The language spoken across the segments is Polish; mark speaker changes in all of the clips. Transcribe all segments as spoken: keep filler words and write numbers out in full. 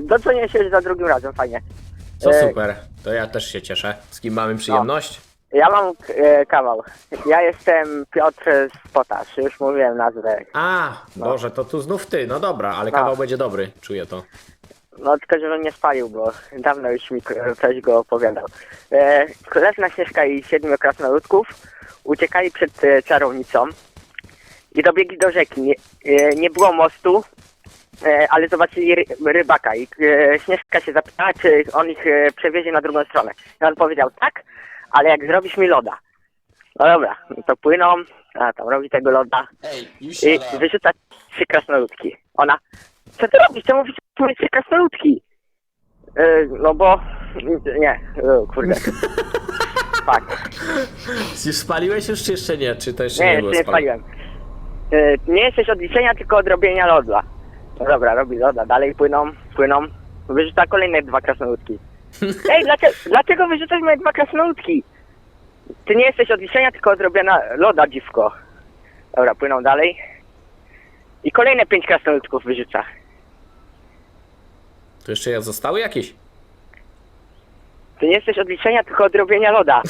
Speaker 1: dodzwonię się za drugim razem, fajnie.
Speaker 2: Co
Speaker 1: E,
Speaker 2: super, to ja też się cieszę. Z kim mamy przyjemność?
Speaker 1: Ja mam e, kawał. Ja jestem Piotr z Potasz, już mówiłem nazwę.
Speaker 2: A, Boże, to tu znów ty, no dobra, ale
Speaker 1: No.
Speaker 2: kawał będzie dobry, czuję to.
Speaker 1: No tylko żebym nie spalił, bo dawno już mi ktoś go opowiadał. E, Królewna Śnieżka i siedmiu krasnoludków uciekali przed e, czarownicą i dobiegli do rzeki. Nie, e, nie było mostu, e, ale zobaczyli ry, rybaka i e, Śnieżka się zapytała, czy on ich e, przewiezie na drugą stronę. I on powiedział tak, ale jak zrobisz mi loda. No dobra, no to płyną, a tam robi tego loda
Speaker 3: Ej, już
Speaker 1: i wyrzuca trzy krasnoludki. Ona, co ty robisz? Czemu wyrzucasz trzy krasnoludki? Yy, no bo... Nie, yy, kurde. Tak.
Speaker 2: Już spaliłeś już, czy jeszcze nie? Czy to jeszcze
Speaker 1: Nie,
Speaker 2: nie,
Speaker 1: jeszcze
Speaker 2: było
Speaker 1: nie
Speaker 2: spalone?
Speaker 1: spaliłem. Yy, nie jesteś od liczenia, tylko od robienia lodla. No dobra, robi loda, dalej płyną, płyną. Wyrzuca kolejne dwa krasnoludki. Ej, dlaczego, dlaczego wyrzucasz moje dwa krasnoludki? Ty nie jesteś od liczenia, tylko od robienia loda, dziwko. Dobra, płyną dalej. I kolejne pięć krasnoludków wyrzuca.
Speaker 2: To jeszcze ja zostały jakieś?
Speaker 1: Ty nie jesteś od liczenia, tylko od robienia loda.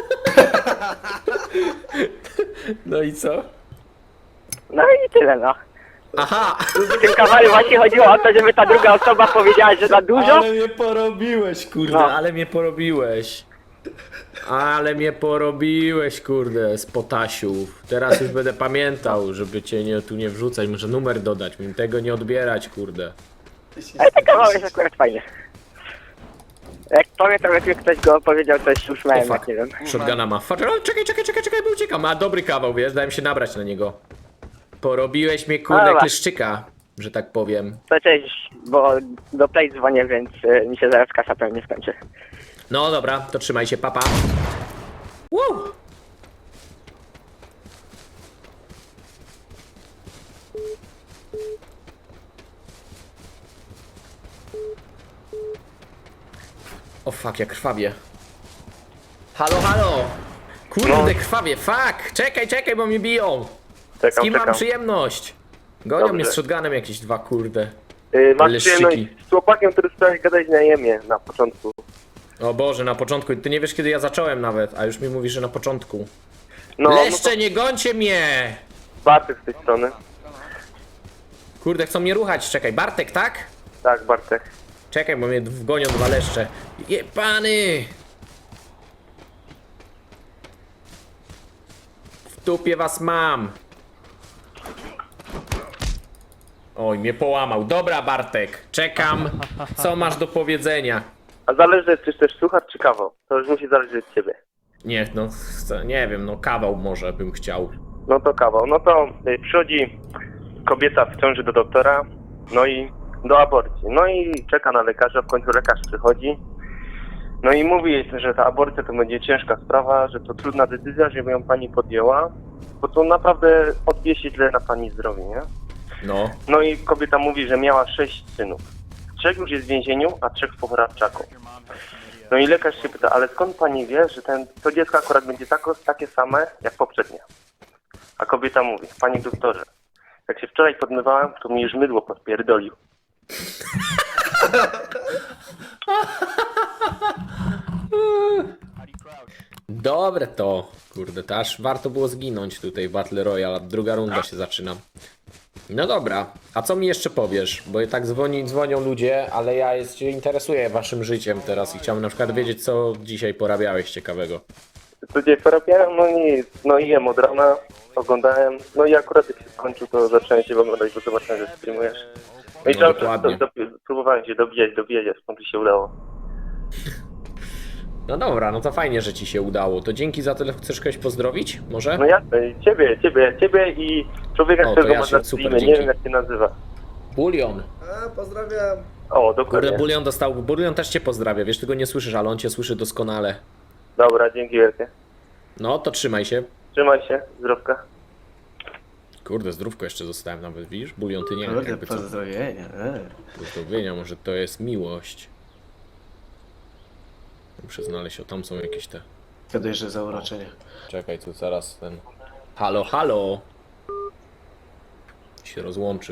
Speaker 2: No i co?
Speaker 1: No i tyle, no.
Speaker 2: Aha!
Speaker 1: W tym kawale właśnie chodziło o to, żeby ta druga osoba powiedziała, że za dużo.
Speaker 2: Ale mnie porobiłeś, kurde,
Speaker 1: No.
Speaker 2: ale mnie porobiłeś. Ale mnie porobiłeś, kurde, z potasiów. Teraz już będę pamiętał, żeby cię nie, tu nie wrzucać, może numer dodać, mi tego nie odbierać, kurde.
Speaker 1: Ale ten kawał jest akurat fajny. Jak pamiętam, jak mi ktoś go powiedział, to się
Speaker 2: O
Speaker 1: uśmiałem,
Speaker 2: fuck,
Speaker 1: jak nie wiem.
Speaker 2: shotguna ma. Fuck, o, czekaj, czekaj, czekaj, czekaj, bo uciekam. Ma dobry kawał, wiesz, dałem się nabrać na niego. Porobiłeś mnie, kurde,
Speaker 1: Dobra.
Speaker 2: kleszczyka, że tak powiem.
Speaker 1: To cześć, bo do Play dzwonię, więc y, mi się zaraz kasa pewnie skończy.
Speaker 2: No dobra, to trzymaj się, papa. Woo! O fuck, jak krwawie. Halo, halo! Kurde,
Speaker 4: No.
Speaker 2: krwawie, fuck! Czekaj, czekaj, bo mnie biją! Z
Speaker 4: Czekam,
Speaker 2: kim mam
Speaker 4: czekam.
Speaker 2: przyjemność? Gonią
Speaker 4: Dobrze.
Speaker 2: mnie z shotgunem jakieś dwa, kurde.
Speaker 4: Yy, masz
Speaker 2: Leszczyki.
Speaker 4: przyjemność z chłopakiem, który chciałeś gadać na jemie na początku.
Speaker 2: O Boże, na początku, ty nie wiesz kiedy ja zacząłem nawet, a już mi mówisz, że na początku.
Speaker 4: No, no
Speaker 2: Leszcze,
Speaker 4: to
Speaker 2: nie gońcie mnie!
Speaker 4: Bartek z tej strony.
Speaker 2: Kurde, chcą mnie ruchać, czekaj, Bartek, tak?
Speaker 4: Tak, Bartek.
Speaker 2: Czekaj, bo mnie gonią dwa leszcze. Jebany! W dupie was mam! Oj, mnie połamał. Dobra, Bartek, czekam. Co masz do powiedzenia?
Speaker 4: A zależy, czy chcesz słuchać, czy kawał. To już musi zależeć od ciebie.
Speaker 2: Nie, no, co- nie wiem, no kawał może bym chciał.
Speaker 4: No to kawał. No to y, przychodzi kobieta w ciąży do doktora, no i do aborcji. No i czeka na lekarza, w końcu lekarz przychodzi. No i mówi jej, że ta aborcja to będzie ciężka sprawa, że to trudna decyzja, żeby ją pani podjęła, bo to naprawdę odbije się źle na pani zdrowiu, nie?
Speaker 2: No,
Speaker 4: No i kobieta mówi, że miała sześć synów. Trzech już jest w więzieniu, a trzech w poprawczaku. No i lekarz się pyta, ale skąd pani wie, że ten, to dziecko akurat będzie tako, takie same jak poprzednie? A kobieta mówi, panie doktorze, jak się wczoraj podmywałem, to mi już mydło podpierdolił.
Speaker 2: dobre to. Kurde, to aż warto było zginąć tutaj w Battle Royale, druga runda się zaczyna. No dobra, a co mi jeszcze powiesz? Bo i tak dzwoni, dzwonią ludzie, ale ja jest, się interesuję waszym życiem teraz i chciałbym na przykład wiedzieć, co dzisiaj porabiałeś ciekawego.
Speaker 4: Co dzień porobiałem? No nic, no i jem od rana, oglądałem, no i akurat jak się skończył, to zacząłem się oglądać, bo zobaczyłem, że streamujesz. No i
Speaker 2: No,
Speaker 4: cały czas
Speaker 2: dokładnie.
Speaker 4: do, do, próbowałem się dobijać, dobijać, a skąd mi się udało.
Speaker 2: No dobra, no to fajnie, że ci się udało. To dzięki za tyle. Chcesz kogoś pozdrowić? Może?
Speaker 4: No jasne, ciebie, ciebie, ciebie i człowieka,
Speaker 2: O, to
Speaker 4: którego
Speaker 2: ja
Speaker 4: masz
Speaker 2: się-
Speaker 4: na
Speaker 2: super,
Speaker 4: streamie, nie
Speaker 2: dzięki.
Speaker 4: wiem jak się nazywa.
Speaker 2: Bulion.
Speaker 3: A, pozdrawiam.
Speaker 4: O, dokładnie.
Speaker 2: Kurde, Bulion dostał. Bulion też cię pozdrawia. Wiesz, tego nie słyszysz, ale on cię słyszy doskonale.
Speaker 4: Dobra, dzięki wielkie.
Speaker 2: No, to trzymaj się.
Speaker 4: Trzymaj się, zdrowka.
Speaker 2: Kurde, zdrówko jeszcze zostałem nawet, widzisz? Bulion, ty nie wiem,
Speaker 3: Kurde,
Speaker 2: jakby co.
Speaker 3: pozdrowienia. e.
Speaker 2: Pozdrowienia, może to jest miłość. Muszę znaleźć, o tam są jakieś te...
Speaker 3: Gadaj, że zauroczenie.
Speaker 2: Czekaj, tu zaraz ten... Halo, halo! Się rozłączył.